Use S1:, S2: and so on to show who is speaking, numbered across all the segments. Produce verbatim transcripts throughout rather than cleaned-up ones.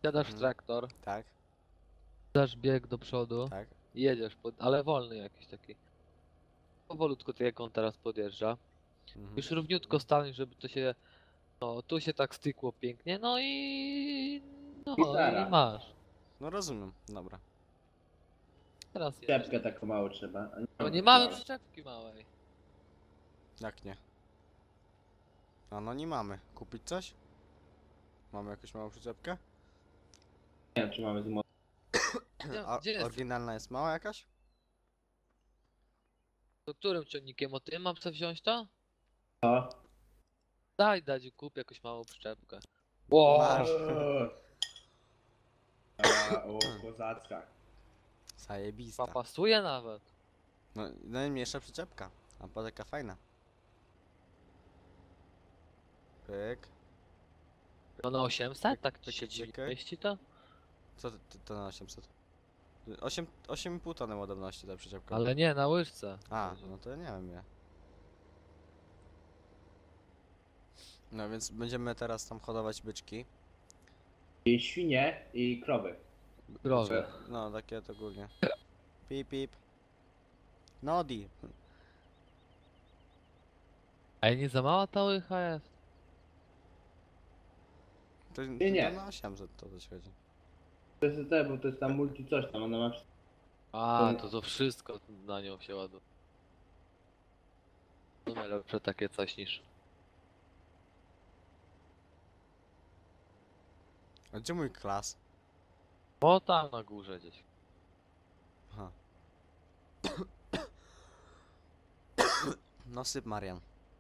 S1: Siadasz w
S2: Mhm.
S1: traktor,
S2: Tak,
S1: dasz bieg do przodu
S2: tak.
S1: i jedziesz, pod, ale wolny jakiś taki. Powolutku tak jak on teraz podjeżdża.
S2: Mhm.
S1: Już równiutko stań, żeby to się, no tu się tak stykło pięknie, no i no i
S3: Gitara.
S1: masz.
S2: No rozumiem, dobra.
S1: Teraz jedziesz.
S3: Czepkę taką mało trzeba. a
S1: Bo
S3: mamy
S1: nie
S3: taką
S1: mamy
S3: małą.
S1: przyczepki małej.
S2: Jak nie? A no nie mamy. Kupić coś? Mamy jakąś małą przyczepkę?
S3: Nie wiem, czy mamy z mo-
S1: Gdzie,
S2: A
S1: gdzie jest?
S2: oryginalna jest mała jakaś?
S1: To którym ciągnikiem? O tym mam sobie wziąć to?
S3: Co?
S1: Daj, dać kup jakąś małą przyczepkę. Wow.
S2: Masz.
S3: A, o, kozacka.
S2: Zajebista.
S1: Pasuje nawet.
S2: No najmniejsza przyczepka. A potem taka fajna. Pyk.
S1: No na osiemset? Tak
S2: Pyk,
S1: się
S2: pyk,
S1: dziwi.
S2: pyk.
S1: Mieści to?
S2: Co to, to, to na osiemset? osiem, osiem i pół tony ładowności ta przyczepka.
S1: Ale nie, na łyżce.
S2: A, no to ja nie wiem ja. No więc będziemy teraz tam hodować byczki.
S3: I świnie i krowy.
S1: Krowy.
S2: No takie to ogólnie. Pip pip. Nodi.
S1: A nie za mała ta łycha jest?
S2: To, to
S3: Nie, nie.
S2: na osiemset to coś chodzi.
S3: To jest te, bo to jest tam multi coś tam, ona ma...
S1: A, to to wszystko na nią się ładuje. No najlepsze takie coś niż...
S2: A gdzie mój klas?
S1: O, tam na górze gdzieś.
S2: Aha. No syp Marian.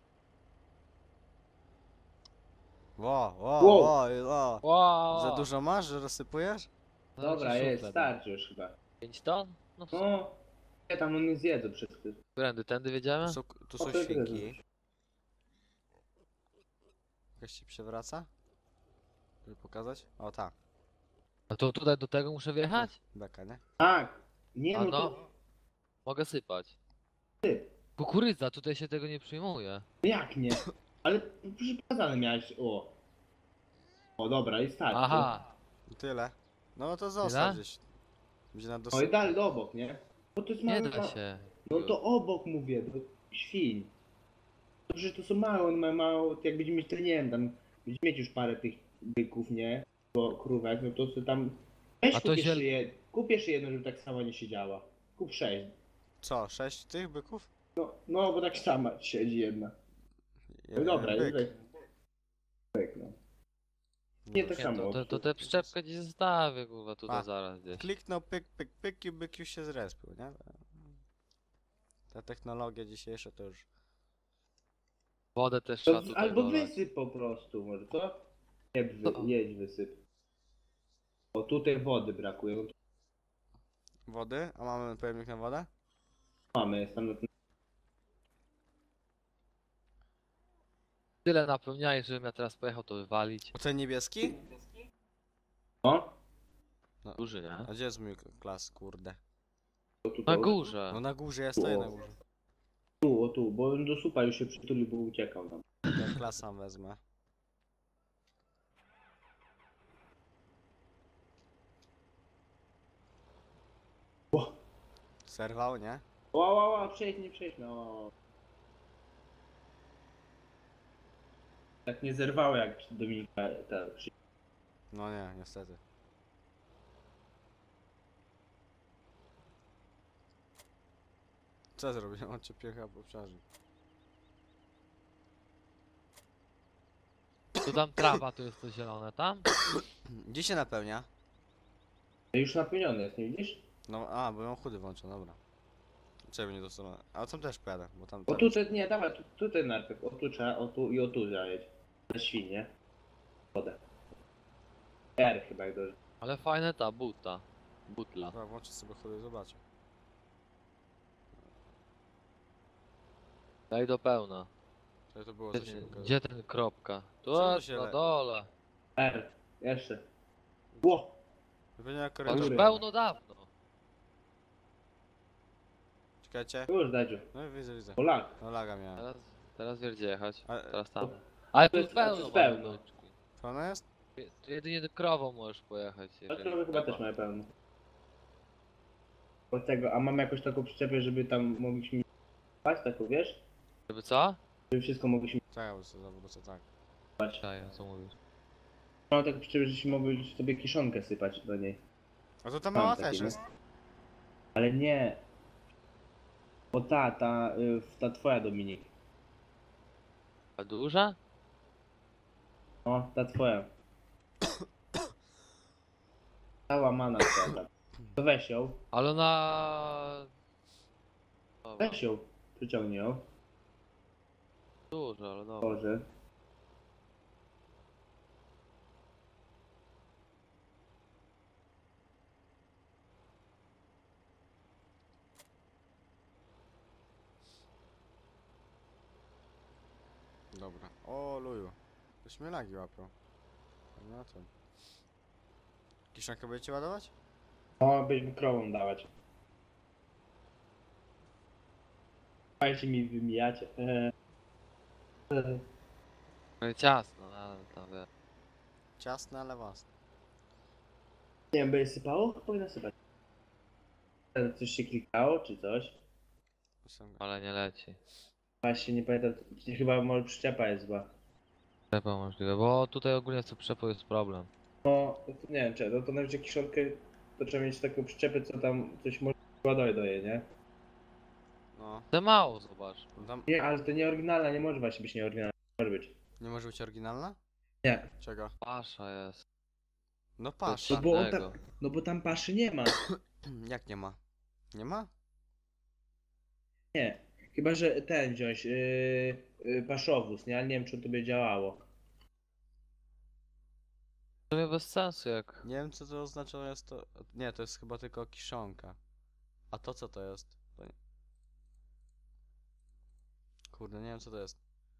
S2: Ło, ło,
S3: Wow.
S2: ło, ło.
S1: Wow!
S2: Za dużo masz, że rozsypujesz?
S3: Dobra, jest, starczy już chyba.
S1: pięć ton? No co?
S3: No, nie tam on nie zjedzą przez to.
S1: Którędy, tędy
S2: Tu
S1: wiedziemy?
S2: są, tu są
S3: O, to jest
S2: świnki. Jakaś się przewraca? Żeby pokazać? O tak.
S1: A to tutaj do tego muszę wjechać?
S2: Beka, nie?
S3: Tak, nie
S1: A
S3: no
S1: no.
S3: to...
S1: Mogę sypać.
S3: Syp.
S1: Kukurydza, tutaj się tego nie przyjmuje.
S3: Jak nie? Ale przecież pokazane miałeś, o. O dobra, i starczy.
S1: Aha!
S2: I tyle. No to zostaw
S1: Tyle?
S2: gdzieś. Będzie na
S3: No i
S2: dosyp.
S3: dalej do obok, nie? Bo to jest
S1: Nie
S3: małe...
S1: da się.
S3: No to obok mówię, do świń. To przecież to są małe, one mają mało, jak będziemy mieć, to nie wiem, tam będziemy mieć już parę tych byków, nie? Bo krówek, no to sobie tam... Weź
S1: A to
S3: kupisz,
S1: się-
S3: je... kupisz jedno, żeby tak samo nie siedziała. Kup sześć.
S2: Co, sześć tych byków?
S3: No, no bo tak sama siedzi jedna. No
S2: Jeden
S3: dobra,
S2: byk.
S3: jest byk, no. Nie
S2: No.
S3: tak
S1: Nie,
S3: samo.
S1: to, to, to tę przyczepkę gdzieś zostawię, kurwa, tutaj
S2: A,
S1: zaraz gdzieś.
S2: Kliknął pyk, pyk, pyk i byk już się zrespił, nie? Ta technologia dzisiejsza to już...
S1: Wodę też
S3: To,
S1: trzeba tutaj
S3: albo
S1: dolać.
S3: wysyp po prostu, może co? Nie, wy,
S1: Co?
S3: jedź wysyp. O, tutaj wody brakuje. No to
S2: Wody? A mamy pojemnik na wodę?
S3: mamy, jest tam na tym.
S1: Tyle napełniaj, żebym ja teraz pojechał to wywalić.
S2: O ten niebieski?
S3: O,
S1: Duży, nie?
S2: A gdzie jest mój klas, kurde?
S3: to tu,
S1: Na
S3: to,
S1: górze.
S2: No na górze, ja stoję na górze.
S3: tu, o tu, bo on do supa już się przytulił, bo uciekał tam.
S2: Ja klas sam wezmę.
S3: O,
S2: Serwał, nie?
S3: o, o, o, przejdź, nie przejdź, no. Tak nie zerwało jak Dominika ta przy...
S2: No nie, niestety. Co zrobiłem? On cię piecha po obszarze.
S1: Tu tam trawa, tu jest to zielone, tam?
S2: Gdzie się napełnia?
S3: Już napełniony jest, nie widzisz?
S2: No, a, bo mam chudy włączę, dobra. Czemu nie dostałem? A tam też pojadę, bo tam...
S3: O
S2: tam-
S3: tutaj, nie, dawaj, tu, tutaj najpierw, o tu trzeba, o tu i o tu zajedź. Na świnie. Wodę. R chyba jak dobrze.
S1: Ale fajne ta buta. Butla.
S2: Dobra, włączę sobie chudy i zobaczę.
S1: Daj do pełna.
S2: Co to było
S1: Gdzie,
S2: za się
S1: gdzie ten kropka? Tu
S2: Co to
S1: jest
S2: się
S1: na
S2: le-
S1: dole.
S3: R, jeszcze. Ło!
S2: Wypełnienia
S1: To już
S2: korytarza.
S3: Góry.
S1: pełno dawno.
S2: Czekajcie.
S3: Już dajcie.
S2: No widzę, widzę.
S3: Polak.
S2: No laga miałem.
S1: Teraz, teraz wiesz gdzie jechać.
S2: Ale-
S1: Teraz tam.
S3: To-
S1: Ale
S3: to
S1: tu
S3: jest-
S1: pełno
S3: to jest pełno.
S1: mamy beczki.
S2: Pełna jest?
S1: Je- Jedynie do krową możesz pojechać.
S3: No
S1: jeżeli
S3: krowy chyba
S1: trzeba.
S3: też mają pełno. Od tego, a mam jakąś taką przyczepę, żeby tam mogliśmy spać, taką wiesz?
S1: Żeby co?
S3: Żeby wszystko mogliśmy
S2: Czekaj, bo co, bo co tak.
S3: spać.
S1: Czaję, co mówisz.
S3: Mam taką przyczepę, żebyśmy mogli sobie kiszonkę sypać do niej.
S2: A to ta
S3: Mam
S2: mała
S3: takie,
S2: też
S3: nie?
S2: jest.
S3: Ale nie. O ta, ta, y, ta twoja Dominik.
S1: A duża?
S3: O, ta twoja. Ta łamana twoja. To weź ją.
S1: Ale ona... Dobra,
S3: Weź ją. Przyciągnij ją.
S1: duża, ale dobra.
S3: Boże.
S2: Dobra. O, luju. Ktoś mnie lagi łapią. Nie na tym. Kiszonkę będziecie ładować?
S3: O, byśmy krową dawać. Dajcie mi wymijacie. Eee. Eee.
S1: No i ciasno, no, ale tam wie.
S2: Ciasne, ale własne.
S3: Nie wiem, by sypało? Powinno sypać. E, Coś się klikało, czy coś?
S1: Ale nie leci.
S3: Właśnie nie pamiętam, chyba może przyczepa jest zła.
S1: Trzeba możliwe, bo tutaj ogólnie z przyczepą jest problem.
S3: No, to nie wiem, czy, no to nawet kiszonkę, to trzeba mieć taką przyczepę, co tam coś może ładować do jej, nie?
S2: No.
S1: To mało, zobacz.
S2: Tam
S3: Nie, ale to nie oryginalna, nie może właśnie być nieoryginalna. Może być.
S2: nie może być oryginalna?
S3: Nie.
S2: Czego?
S1: Pasza jest.
S2: No
S1: To
S2: patrz.
S3: No bo, on
S1: innego.
S3: tam, no bo tam paszy nie ma.
S2: Jak nie ma? Nie ma?
S3: Nie. Chyba, że ten wziąć, yy, yy, paszowóz, nie? Ale nie wiem, czy to by działało.
S1: To mnie bez sensu jak...
S2: Nie wiem co to oznacza, jest to... Nie, to jest chyba tylko kiszonka. A to co to jest? To nie... Kurde, nie wiem co to jest.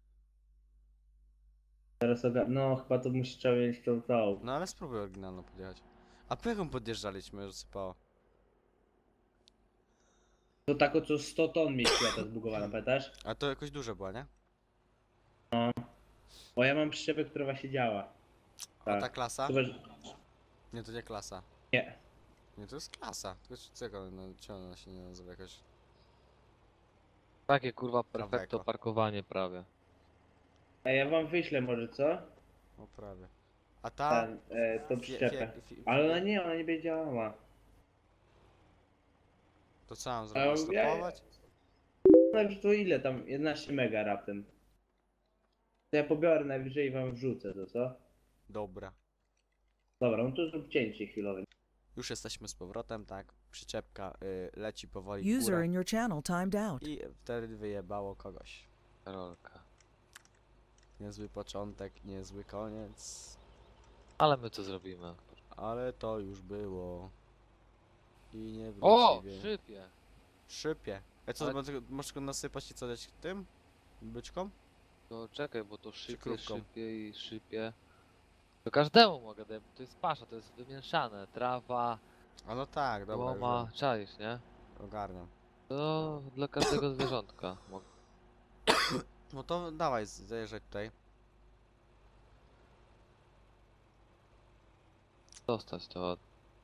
S3: Teraz oga... No, chyba to musi trzeba mieć tą tą.
S2: No ale spróbuj oryginalną podjechać. A po jaką podjeżdżaliśmy, że sypało?
S3: To tako, co sto ton mieściła ta zbugowana, pamiętasz?
S2: A to jakoś duże była, nie?
S3: Bo ja mam przyczepę, która właśnie działa.
S2: A ta
S3: Tak.
S2: klasa?
S3: Chyba, że...
S2: Nie, to nie klasa.
S3: Nie.
S2: Nie, to jest klasa. Tylko czego, no, czemu ona się nie nazywa jakoś...
S1: Takie kurwa
S2: Praweko.
S1: perfekto parkowanie prawie.
S3: A ja wam wyślę może, co?
S2: O, prawie. A ta...
S3: Ten, e, tą
S2: fie-
S3: przyczepę.
S2: fie- fie-
S3: Ale ona nie, ona nie będzie działała.
S2: To co mam
S3: A
S2: zrobić?
S3: ja-
S2: Stopować?
S3: Najwyżej to ile tam? jedenaście mega raptem. To ja pobiorę najwyżej i wam wrzucę to, co?
S2: Dobra.
S3: Dobra, no to zrób cięcie chwilowe.
S2: Już jesteśmy z powrotem, tak. Przyczepka y, leci powoli w
S4: User
S2: górę.
S4: in your channel timed out.
S2: I wtedy wyjebało kogoś.
S1: Rolka.
S2: Niezły początek, niezły koniec.
S1: Ale my to zrobimy.
S2: Ale to już było. I nie
S1: O!
S2: wróci.
S1: Szypie!
S2: Szypie. A co,
S1: Ale-
S2: może- możesz go nasypać i co dać tym? Byczkom?
S1: To czekaj, bo to szypie,
S2: krówką?
S1: szypie i szypie. To każdemu mogę dać, bo to jest pasza, to jest wymieszane. Trawa,
S2: A no tak, dobra, już
S1: łoma, czaisz, nie?
S2: wiem. Ogarniam.
S1: To dla każdego zwierzątka. Mogę.
S2: No to dawaj, z- zajeżdżaj tutaj.
S1: Dostać to.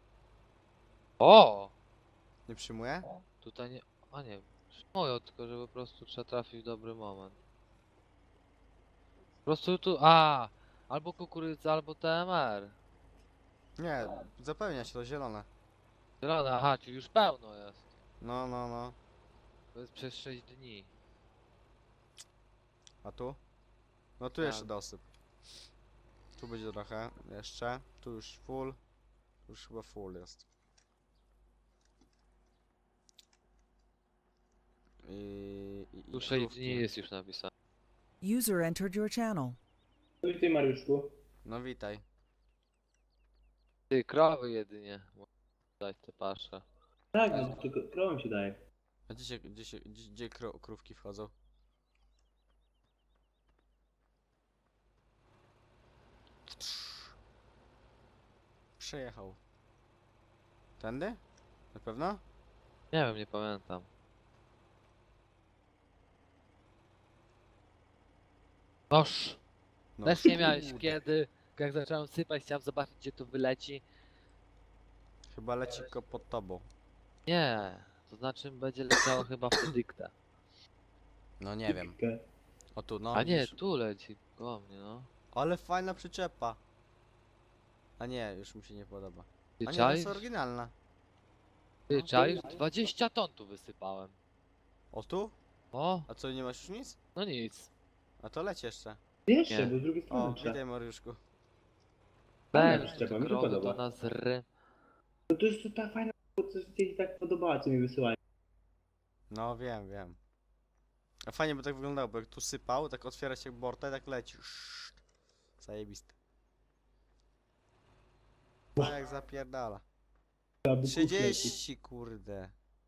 S1: O!
S2: Nie przyjmuję?
S1: Tutaj nie... A nie, moją, tylko że po prostu trzeba trafić w dobry moment. Po prostu tu... A! Albo kukurydza, albo T M R.
S2: Nie, zapełnia się to zielone.
S1: Zielone, aha, czyli już pełno jest.
S2: No, no, no.
S1: To jest przez sześć dni.
S2: A tu? No tu
S1: Tak.
S2: jeszcze dosyp. Tu będzie trochę, jeszcze. Tu już full. Tu już chyba full jest. I... i, i
S1: Tu sześć
S2: krówki.
S1: dni jest już napisane.
S4: User entered your channel.
S3: No i ty, Mariuszku.
S2: No witaj.
S1: Ty, krowy jedynie. Mogę dać te pasze.
S3: Tak, no tylko krową się daje.
S2: A gdzie się, gdzie się, gdzie, gdzie kró krówki wchodzą? Przejechał. Tędy? Na pewno?
S1: Nie wiem, nie pamiętam. Noż!
S2: No.
S1: Też nie miałeś
S2: kurde.
S1: kiedy. jak zacząłem sypać, chciałem zobaczyć, gdzie to wyleci.
S2: Chyba leci tylko pod tobą.
S1: Nie, to znaczy będzie leciało chyba w tę dyktę.
S2: No nie wiem. O tu, no
S1: A nie,
S2: widzisz?
S1: tu leci koło mnie, no.
S2: Ale fajna przyczepa. A nie, już mi się nie podoba.
S1: Ty
S2: A nie, to
S1: czaisz?
S2: jest oryginalna.
S1: Ty
S2: no.
S1: czaisz? dwadzieścia ton tu wysypałem.
S2: O tu?
S1: O,
S2: A co, nie masz już nic?
S1: no nic.
S2: A to leci jeszcze.
S3: Jeszcze,
S1: Nie.
S3: bo z drugiej
S2: O,
S3: strony trzeba.
S2: witaj Mariuszku.
S3: Fajna
S1: Ten,
S3: przyczepa,
S1: te
S3: mi się
S1: krowy
S3: podoba.
S1: to nas ry...
S3: No to jest to ta fajna, bo coś ci tak podobała, co mi wysyłają.
S2: No wiem, wiem. A fajnie by tak wyglądało, bo jak tu sypał, tak otwiera się borta i tak leci. Szt. Zajebiste. A jak zapierdala.
S3: Aby kup leci.
S2: trzydzieści kurde.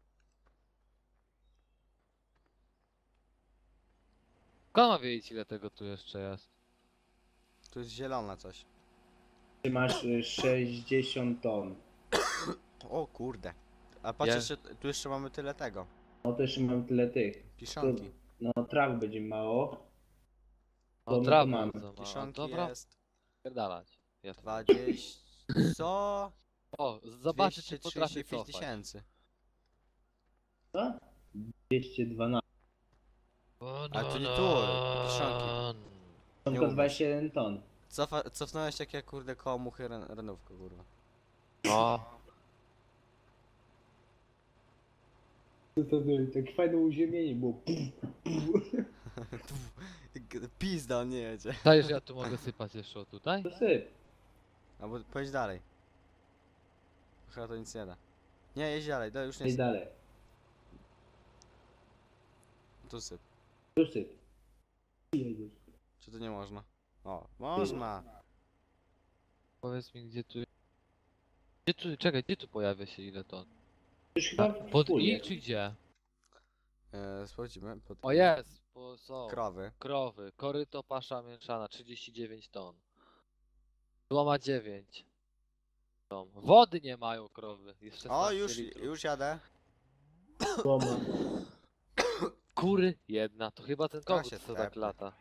S1: Kto ma wiedzieć, ile tego tu jeszcze jest?
S2: Tu jest zielona coś.
S3: Ty masz y, sześćdziesiąt ton.
S2: O kurde. A patrz
S1: Ja-
S2: jeszcze, tu jeszcze mamy tyle tego.
S3: No to jeszcze mam tyle tych.
S2: Kiszonki.
S3: No traw będzie mało.
S1: O,
S3: To my
S1: trawy
S3: to mamy.
S1: bardzo mało.
S2: Kiszonki
S1: Dobra,
S2: jest
S1: pierdalać. Ja to...
S2: dwadzieścia. Co?
S1: O, zobaczę, czy
S2: dwieście
S1: potrafię
S2: trzydzieści pięć
S1: cofać.
S2: tysięcy.
S3: Co? dwieście dwanaście.
S2: A to nie tu, kiszonki.
S3: To
S2: Nie
S3: tylko
S2: umiem.
S3: dwadzieścia jeden ton.
S2: Cofa, cofnąłeś jak ja kurde koło muchy ren, renówkę kurwa.
S1: No,
S3: To, to, to, tak fajne uziemienie było.
S2: Pizda, on nie jedzie.
S1: dajesz, ja tu mogę sypać jeszcze o tutaj?
S3: To syp.
S2: Albo pojedź dalej. Chyba to nic nie da. Nie, jedź dalej, dalej już nie
S3: I
S2: syp.
S3: dalej.
S2: Tu syp.
S3: Tu syp. Jedziesz.
S2: Czy to nie można? O, można.
S1: Powiedz mi, gdzie tu... Gdzie tu, czekaj, gdzie tu pojawia się ile ton?
S3: Już
S1: A,
S3: chyba
S1: pod
S3: wspólnie.
S1: I czy gdzie?
S2: E, sprawdzimy. Pod
S1: O
S2: i.
S1: jest, bo są.
S2: Krowy.
S1: Krowy, koryto pasza mieszana, trzydzieści dziewięć ton. Złoma dziewięć. Ton. Wody nie mają krowy. Jest
S2: O,
S1: szesnaście
S2: już,
S1: litrów.
S2: już jadę.
S3: Słoma.
S1: Kury jedna, to chyba ten kogut
S2: się
S1: co tak
S2: tepnie.
S1: lata.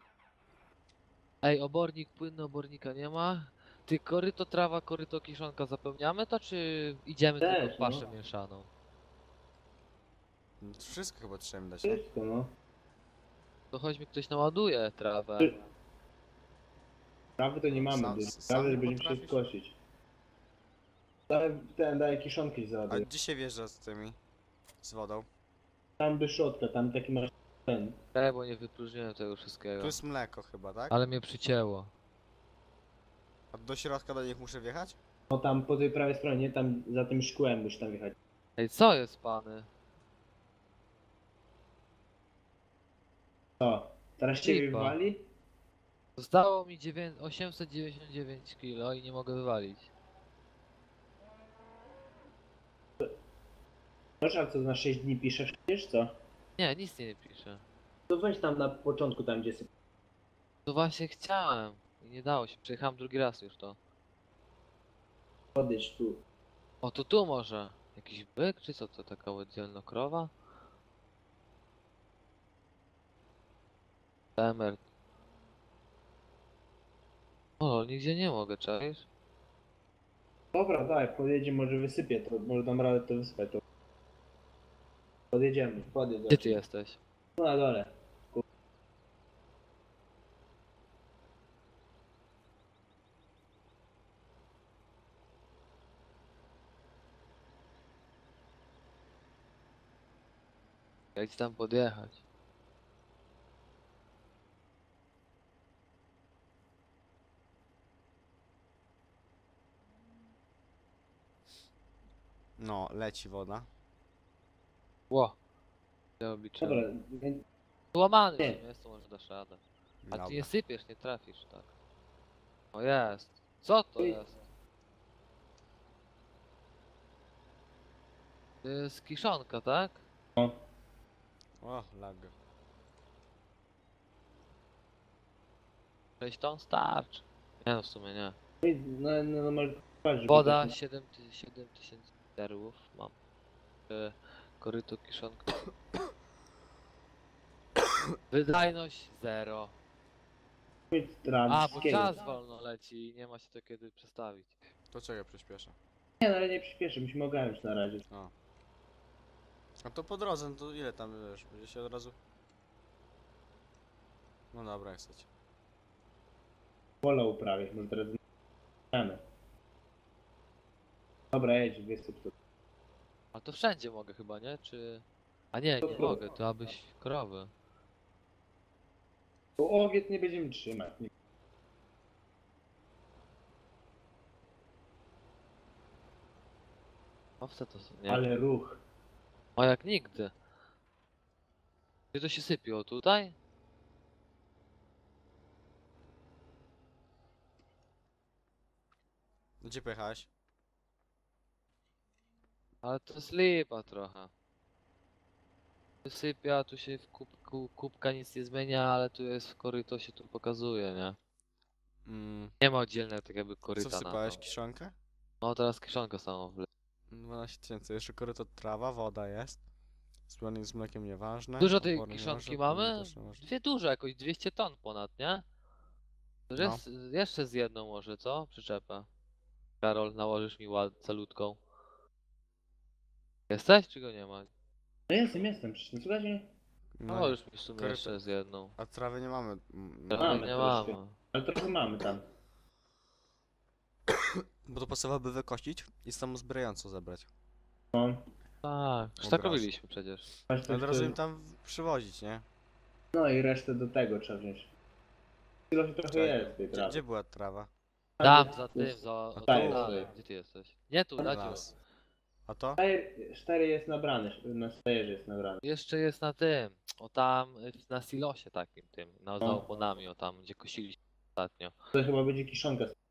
S1: Ej, obornik płynny, obornika nie ma. Ty koryto trawa, koryto kiszonka zapełniamy to, czy idziemy
S3: Też,
S1: tylko w paszę
S3: no.
S1: mieszaną?
S2: Wszystko chyba trzeba dać, nie?
S3: Wszystko no.
S1: To choć mi ktoś naładuje trawę.
S3: Trawy to nie mamy.
S2: Sam-
S3: do
S2: sam
S3: Trawy
S2: nie
S3: będziemy
S2: potrafisz?
S3: wszystko kosić. Daj, ten, daję kiszonki
S2: A
S3: załaduję.
S2: dzisiaj wjeżdża z tymi. Z wodą.
S3: Tam wyszotka, tam taki masz ten.
S1: Ej, bo nie wypróżniłem tego wszystkiego.
S2: Tu jest mleko chyba, tak?
S1: Ale mnie przycięło.
S2: A do środka do nich muszę wjechać?
S3: No tam po tej prawej stronie, tam za tym szkłem musisz tam jechać.
S1: Ej, co jest pany?
S3: O, teraz ciebie
S1: Lipa.
S3: wywali?
S1: Zostało mi dziewię- osiemset dziewięćdziesiąt dziewięć kilo i nie mogę wywalić.
S3: Masz, a co na sześć dni piszesz, wiesz co?
S1: Nie, nic nie pisze.
S3: To weź tam na początku, tam gdzie syp.
S1: To właśnie chciałem. I nie dało się. Przejechałem drugi raz już to.
S3: Podejdź tu.
S1: O, to tu może. Jakiś byk, czy co to? Taka oddzielna krowa? Temer. O, nigdzie nie mogę, czaisz?
S3: Dobra, daj, podjedzie, może wysypię to, może dam radę to wysypać. To. Podjedziemy, podjedź.
S1: Gdzie ty jesteś?
S3: No na dole.
S1: Jak ci tam podjechać?
S2: No, leci woda.
S1: Ło. Ja obliczyłem.
S3: Dobra, więc
S1: Łamany
S3: Nie.
S1: jest, to może dasz radę. A
S2: Dobra.
S1: ty nie sypiesz, nie trafisz, tak. O jest. Co to
S3: Oj.
S1: jest? To jest kiszonka, tak?
S2: O, lag.
S1: sześć ton starczy. Nie no, w sumie nie.
S3: no, no, no może patrz, żeby
S1: Woda
S3: to-
S1: siedem tysięcy derłów mam. E, Koryto kiszonka. Wydajność zero.
S3: Mieć stran
S1: A, bo
S3: wszystkiego.
S1: czas wolno leci i nie ma się to kiedy przestawić.
S2: To czego przyspieszę?
S3: Nie, no ale nie przyspieszę, musimy ogarnąć na razie.
S2: O. A to po drodze, no to ile tam, wiesz, będzie się od razu... No dobra, jak chcecie.
S3: Pola uprawiać, może teraz zmiany. Dobra, jedź, wysyp to.
S1: A to wszędzie mogę chyba, nie? Czy... A nie,
S3: To
S1: nie
S3: krowy.
S1: mogę, to abyś krowy.
S3: Bo owiec nie będziemy trzymać. Nie-
S1: Owce to są, nie?
S3: Ale ruch.
S1: O, jak nigdy. Gdzie to się sypiło? Tutaj?
S2: Gdzie pojechałeś?
S1: Ale to jest lipa trochę. Wysypia, tu się w kubku, kubka nic nie zmienia, ale tu jest w koryto się tu pokazuje, nie?
S2: Mm,
S1: Nie ma oddzielnego tak jakby
S2: co
S1: koryta na
S2: wsypałeś?
S1: to.
S2: Kiszonkę?
S1: No teraz kieszonkę samą wle.
S2: dwanaście tysięcy, jeszcze koryto trawa, woda jest. Zbiernik z mlekiem nieważne.
S1: Dużo tej
S2: opornik
S1: kieszonki
S2: nieważne,
S1: mamy?
S2: płynnik też nieważne.
S1: Dwie duże, jakoś dwieście ton ponad, nie? To
S2: No.
S1: jest jeszcze z jedną może, co? Przyczepę. Karol, nałożysz mi ład calutką. Jesteś, czy go nie ma?
S3: No jestem, jestem, przecież nie słuchajcie mnie?
S2: No,
S1: Nałożysz mi w sumie
S2: koryto-
S1: jeszcze z jedną.
S2: a trawy nie mamy. mm,
S1: Trawy
S2: No,
S3: Mamy
S1: nie
S3: troszkę.
S1: mamy.
S3: Ale trochę mamy tam.
S2: bo to podstawowe wykościć i samozbierająco zebrać.
S3: No.
S1: Tak, już
S2: Od
S1: tak
S2: razu.
S1: robiliśmy przecież.
S3: Masz
S2: Ale
S3: coś,
S2: razu
S3: co-
S2: im tam przywozić, nie?
S3: No i resztę do tego trzeba wziąć. Tyle trochę
S2: Czekaj,
S3: jest tej
S2: Gdzie,
S3: trawy.
S2: gdzie była trawa?
S1: Tam, za tym,
S3: Jest-
S1: za... o,
S2: tu.
S1: tam dalej. Gdzie ty jesteś? Nie tu, Dadziu.
S2: Raz. A to?
S3: Cztery, cztery jest nabrane, na stejerze jest nabrane.
S1: Jeszcze jest na tym, o tam, y, na silosie takim tym, na, za
S3: No.
S1: oponami, o tam, gdzie kosiliśmy ostatnio.
S3: To chyba będzie kiszonka. Nie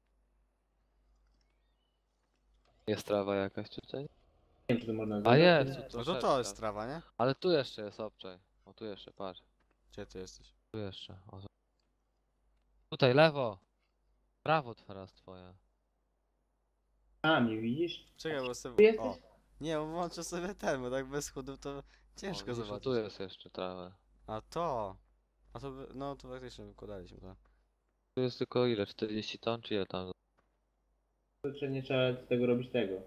S1: Jest trawa jakaś tutaj?
S3: wiem, czy to można
S1: A
S3: zrobić.
S1: jest, tu
S2: No to to
S1: troszeczkę.
S2: jest trawa, nie?
S1: Ale tu jeszcze jest obczaj. O, tu jeszcze, patrz.
S2: Gdzie ty jesteś?
S1: Tu jeszcze. O, tutaj, lewo. Prawo teraz twoje.
S3: A, mnie widzisz?
S2: Czekaj, bo
S3: Tu
S2: sobie...
S3: jesteś?
S2: O! Nie, bo włączę sobie ten, bo tak bez chudu to ciężko
S1: o, widzisz, o,
S2: zobaczyć.
S1: tu jest jeszcze trawę.
S2: A to! A to, by- no to faktycznie wykładaliśmy to.
S1: Tu jest tylko ile? czterdzieści ton, czy ile tam?
S3: To czy nie trzeba z tego robić tego.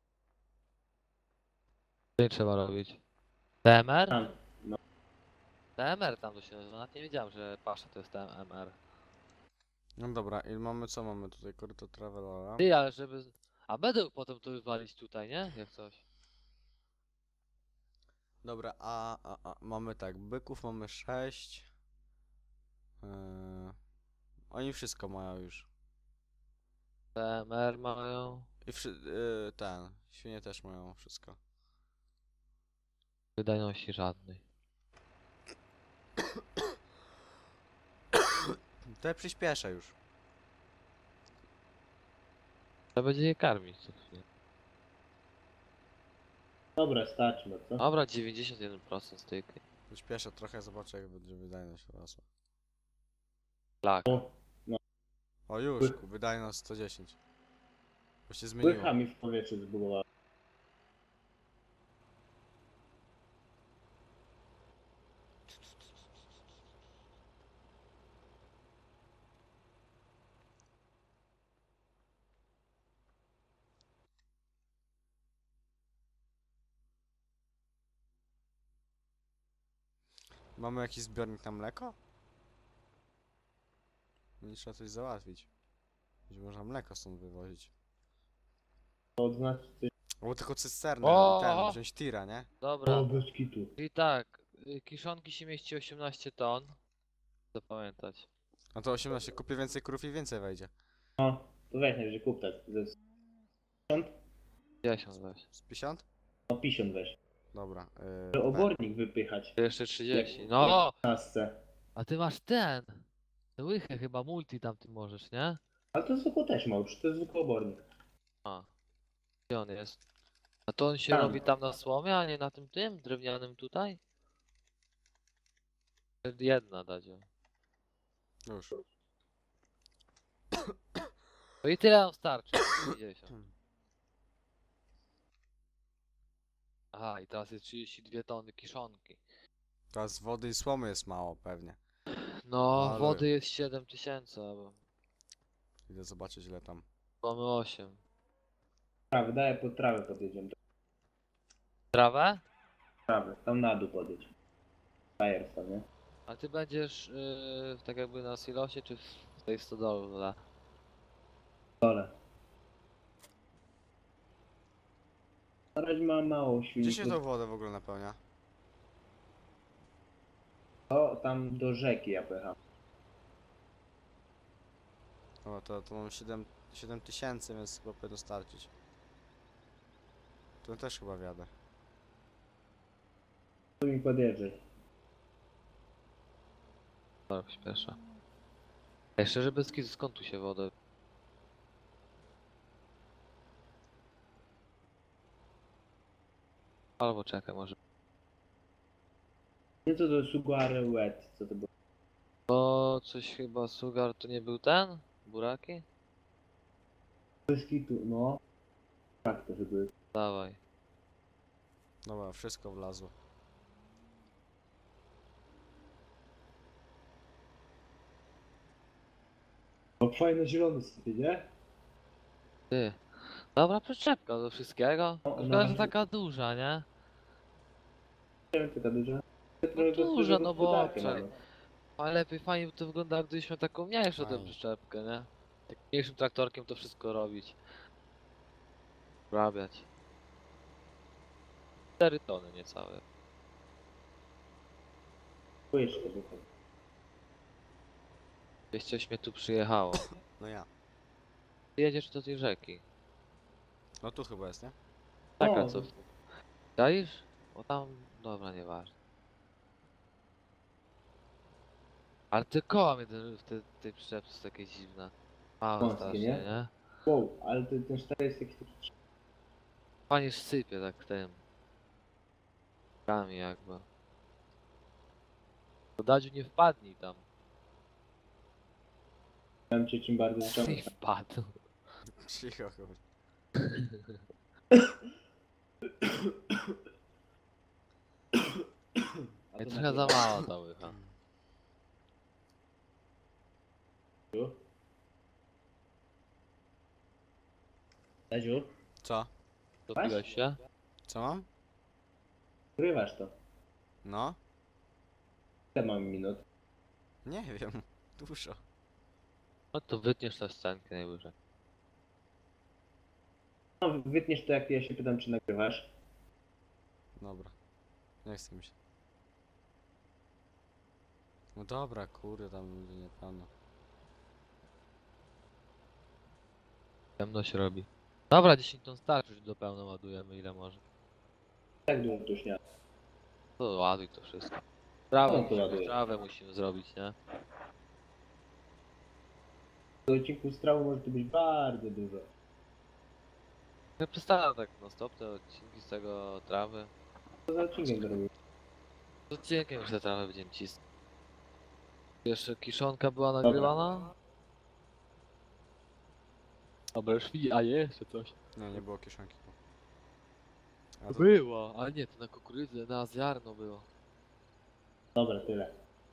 S1: Co trzeba robić? T M R?
S3: Tam. No.
S1: T M R tam to się nazywa. Nawet nie wiedziałem, że pasza to jest T M R.
S2: No dobra, i mamy co mamy tutaj? Koryto travelera.
S1: Ty, ale żeby... A będę potem to wywalić tutaj, nie? Jak coś.
S2: Dobra, a, a, a mamy tak, byków mamy sześć. Yy, oni wszystko mają już.
S1: T M R mają.
S2: I wszy, yy, ten, świnie też mają wszystko.
S1: Wydajności żadnej.
S2: To ja przyspieszę już.
S1: Trzeba będzie je karmić co chwilę.
S3: Dobra, starczy, no co?
S1: Dobra, dziewięćdziesiąt jeden procent styk.
S2: Przyspieszę trochę, zobaczę jak będzie wydajność rosła.
S1: Lak.
S3: O,
S2: O już,
S3: Ły-
S2: ku, wydajność sto dziesięć. Bo się zmieniło.
S3: Łycha mi w powietrzu zbudowała.
S2: Mamy jakiś zbiornik na mleko? Nie trzeba coś załatwić. Będzie można mleko stąd wywozić.
S3: To odznaczy coś.
S2: Albo tylko cysternę
S1: O!
S2: i ten, wziąć tira, nie?
S1: Dobra.
S3: O, bez kitu.
S1: I tak, y, kiszonki się mieści osiemnaście ton. Zapamiętać.
S2: No to osiemnaście, kupię więcej krów i więcej wejdzie.
S3: No, to weź najwyżej kup tak. Ze
S1: dziesięć weź.
S2: Z pięćdziesiąt?
S3: no, pięćdziesiąt weź.
S2: Dobra.
S3: Żeby
S2: Yy,
S3: obornik wypychać
S1: To jeszcze trzydzieści.
S3: Jak-
S1: No!
S3: w tasce.
S1: A ty masz ten! Tę łychę chyba multi tam ty możesz, nie?
S3: Ale to zwykło też ma, już to jest zwykły obornik.
S1: A. Gdzie on jest? A to on się
S3: Tam.
S1: robi tam na słomie, a nie na tym tym drewnianym tutaj? Jedna dadzie.
S2: już.
S1: To i tyle nam starczy. pięćdziesiąt. Aha, i teraz jest trzydzieści dwie tony kiszonki.
S2: Teraz wody i słomy jest mało pewnie.
S1: No,
S2: Ale-
S1: wody jest siedem tysięcy, albo
S2: Idę zobaczyć ile tam.
S1: mamy osiem.
S3: Trawę, daję pod trawę podjedziemy.
S1: Trawę?
S3: Trawę, tam na dół podjedź. Fajersa, nie?
S1: A ty będziesz yy, tak jakby na silosie, czy w tej stodole?
S3: Dole. Na razie mam mało
S2: Gdzie
S3: silników.
S2: się tą wodę w ogóle napełnia?
S3: O, tam do rzeki ja pojechałem.
S2: O, to, to mam siedem tysięcy, więc chyba powinno starczyć. Tu też chyba wiadę.
S3: Tu mi podjeżdżaj.
S1: Tak, śpieszę. Ej, szczerze bez kitu, skąd tu się wodę? Albo czekaj, może.
S3: Nie co to Suguare Wet, co to było?
S1: O, coś chyba Sugar to nie był ten? Buraki?
S3: Bez kitu, no. Tak to żeby.
S1: Dawaj.
S2: Dobra, wszystko wlazło.
S3: No fajne zielone sobie, nie?
S1: Ty. Dobra przyczepka do wszystkiego.
S3: O,
S1: Tylko
S3: no.
S1: jest taka duża, nie?
S3: Nie wiem, taka duża.
S1: duża, no bo-
S3: gospodarkę
S1: czekaj.
S3: mamy.
S1: Ale lepiej fajnie by to wygląda, gdybyśmy taką mniejszą tę
S2: Fajnie.
S1: przyczepkę, nie? Tak mniejszym traktorkiem to wszystko robić. Wrabiać. cztery tony niecałe.
S3: Łyżkę tylko.
S1: Gdzieś coś mnie tu przyjechało.
S2: No ja.
S1: Ty jedziesz do tej rzeki.
S2: No tu chyba jest, nie?
S1: Taka
S3: O.
S1: co? Dajesz? Bo tam... Dobra, nieważne. Ale te koła mnie ten- w tej, tej przyczepce są takie dziwne. Małe
S3: Wąskie,
S1: strasznie,
S3: nie?
S1: nie?
S3: Wow, ale ten, ten sztar jest jakiś taki.
S1: Fajnie sypie tak tym. Kami jakby. To Dadziu nie wpadnij tam.
S3: Tam cię czym bardziej
S1: Nie
S3: zacząłem.
S1: wpadł.
S2: Cicho chyba.
S1: Ej, trochę za mała ta łycha.
S3: Dadziu,
S2: Co?
S1: Dopiłeś się?
S2: Co mam?
S3: wygrywasz to.
S2: No?
S3: Ile mam minut?
S2: Nie wiem. Dużo.
S1: No to wytniesz tę scenkę najwyżej.
S3: No, wytniesz to jak ja się pytam, czy nagrywasz.
S2: Dobra. Nie chcę mi się. No dobra, kurde, tam będzie niepewno.
S1: Ciemno się robi. Dobra, dziesięć ton starczy, już do pełna ładujemy ile może.
S3: Tak dużo tu już nie.
S1: To ładuj to wszystko. Trawę,
S3: No to
S1: musimy,
S3: ładuję.
S1: trawę musimy zrobić, nie?
S3: Do odcinku z trawą może tu być bardzo dużo.
S1: Ja przestałem tak no stop te odcinki z tego trawy.
S3: Co za odcinkiem to robił?
S1: Z odcinkiem już te trawę będziemy cisnąć. Jeszcze kiszonka była nagrywana? Dobra, już widzi, a jeszcze coś.
S2: Nie, nie było kieszonki. A to...
S1: Było, ale nie, to na kukurydzę, na ziarno było.
S3: Dobra, tyle.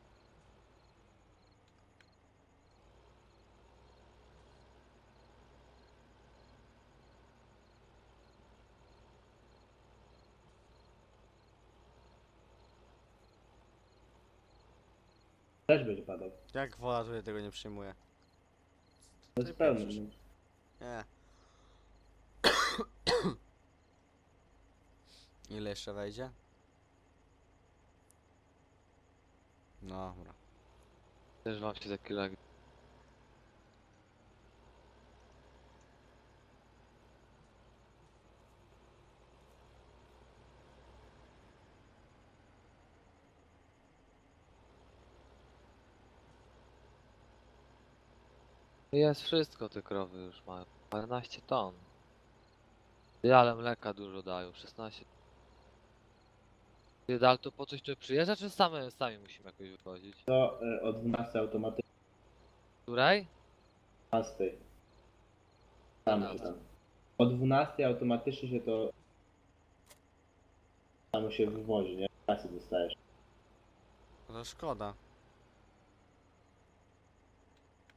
S3: Też będzie padał.
S2: Jak woda tutaj tego nie przyjmuje?
S3: To jest pełny.
S2: pieprzysz?
S3: no.
S2: Nie. Ile jeszcze wejdzie? No, dobra.
S1: Też wam się takie lagi. Jest wszystko, te krowy już mają. paręnaście ton. Ty, ale mleka dużo dają, szesnaście. Ty, ale to po coś tu przyjeżdża, czy same, sami musimy jakoś wychodzić?
S3: To e, o dwunastej automatycznie.
S1: Której?
S3: Tam się tam. O dwunastej automatycznie się to samo się wywozi, nie? Kasy dostajesz.
S2: No to szkoda.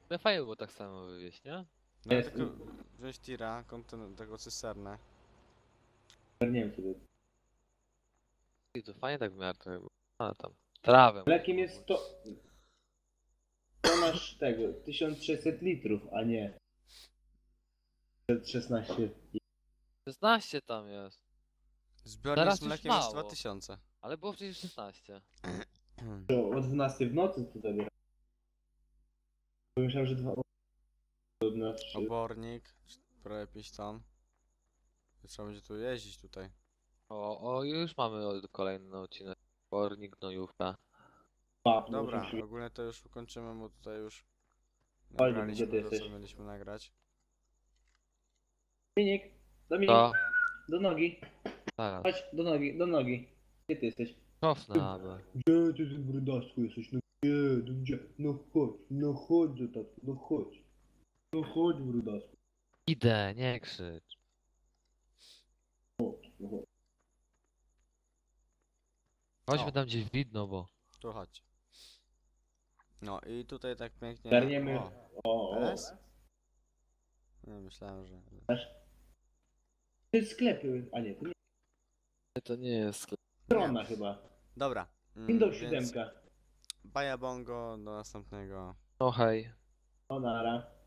S1: Ale fajnie było tak samo wywieźć, nie?
S2: No ja
S3: Jest-
S2: tylko wziąć tira, konten tego cysternę.
S3: Nie wiem co to jest.
S1: I to fajnie tak w miarę to było. Ale tam. Trawę.
S3: Mlekiem
S1: można
S3: jest
S1: było.
S3: to... To masz tego, tysiąc sześćset litrów, a nie szesnaście.
S1: szesnaście tam jest.
S2: Zbiornik
S1: Teraz
S2: z
S1: już
S2: mlekiem jest
S1: mało.
S2: dwa tysiące.
S1: Ale było przecież szesnaście.
S3: To o dwunastej w nocy to zabiera. Bo myślałem, że dwa... Znaczy,
S2: Obornik, prawie pięć ton. Trzeba będzie tu jeździć tutaj.
S1: O, o, już mamy o- kolejny odcinek. Pornik, gnojówka.
S3: dwa, no,
S2: Dobra,
S3: oczywiście.
S2: ogólnie to już ukończymy, bo tutaj już
S3: Oj,
S2: nagraliśmy
S3: gdzie ty
S2: to, co
S3: jesteś?
S2: mieliśmy nagrać.
S3: Dominik, Dominik,
S1: To.
S3: do nogi.
S1: Zaraz.
S3: Chodź, do nogi, do nogi. Gdzie ty jesteś?
S1: Cofnę, aby.
S3: Gdzie ty z brudasku jesteś? No gdzie, no gdzie? No chodź, no chodź, tato, no chodź. No chodź, brudasku.
S1: Idę, nie krzycz.
S3: Chodź, no chodź.
S1: Chodźmy
S2: O.
S1: tam gdzieś widno, bo.
S2: Tu chodź. No i tutaj tak pięknie...
S3: Garniemy.
S2: O,
S3: O, o.
S2: S? No, myślałem, że...
S3: To jest sklepy, a nie, to nie
S1: To nie jest sklep.
S3: strona chyba.
S2: Dobra. mm,
S3: Windows
S2: więc
S3: siedem.
S2: Baja bongo, do następnego.
S1: No hej.
S3: O nara.